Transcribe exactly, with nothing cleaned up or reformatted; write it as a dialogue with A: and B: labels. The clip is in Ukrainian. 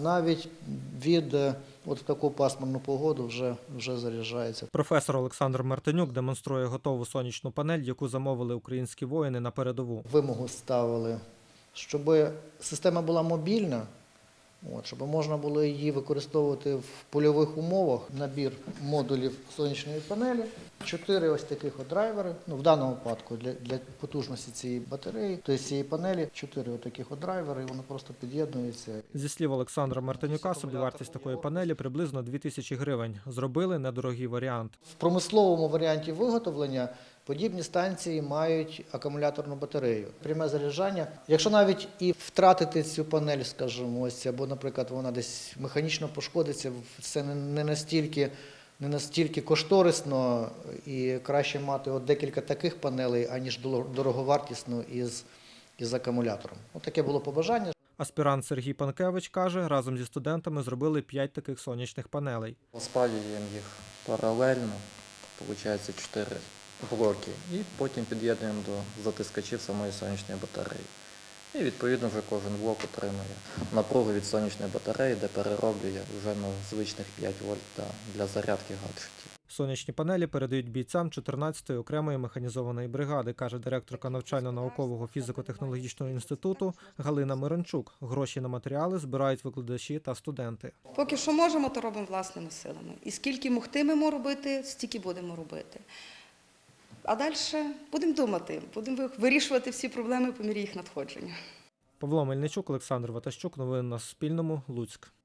A: навіть від от в таку пасмурну погоду вже, вже заряджається.
B: Професор Олександр Мартинюк демонструє готову сонячну панель, яку замовили українські воїни на передову.
A: Вимогу ставили, щоб система була мобільна, от, щоб можна було її використовувати в польових умовах. Набір модулів сонячної панелі, чотири ось таких от драйвери, ну, в даному випадку для, для потужності цієї батареї, тобто цієї панелі, чотири от таких от драйвери, і воно просто під'єднується.
B: Зі слів Олександра Мартинюка, собівартість такої панелі приблизно дві тисячі гривень. Зробили недорогий варіант.
A: В промисловому варіанті виготовлення подібні станції мають акумуляторну батарею. Пряме заряджання. Якщо навіть і втратити цю панель, скажімо, ось, або, наприклад, вона десь механічно пошкодиться, це не настільки, не настільки кошторисно і краще мати от декілька таких панелей, аніж дороговартісну із, із акумулятором. От таке було побажання.
B: Аспірант Сергій Панкевич каже, разом зі студентами зробили п'ять таких сонячних панелей.
C: Розпалюємо їх паралельно, виходить чотири блоки, і потім під'єднуємо до затискачів самої сонячної батареї. І відповідно вже кожен блок отримує напругу від сонячної батареї, де перероблює вже на звичних п'ять вольт для зарядки гаджетів.
B: Сонячні панелі передають бійцям чотирнадцятої окремої механізованої бригади, каже директорка навчально-наукового фізико-технологічного інституту Галина Миранчук. Гроші на матеріали збирають викладачі та студенти.
D: Поки що можемо, то робимо власними силами. І скільки могтимемо робити, стільки будемо робити. А далі будемо думати, будемо вирішувати всі проблеми по мірі їх надходження.
B: Павло Мельничук, Олександр Ватащук. Новини на Суспільному. Луцьк.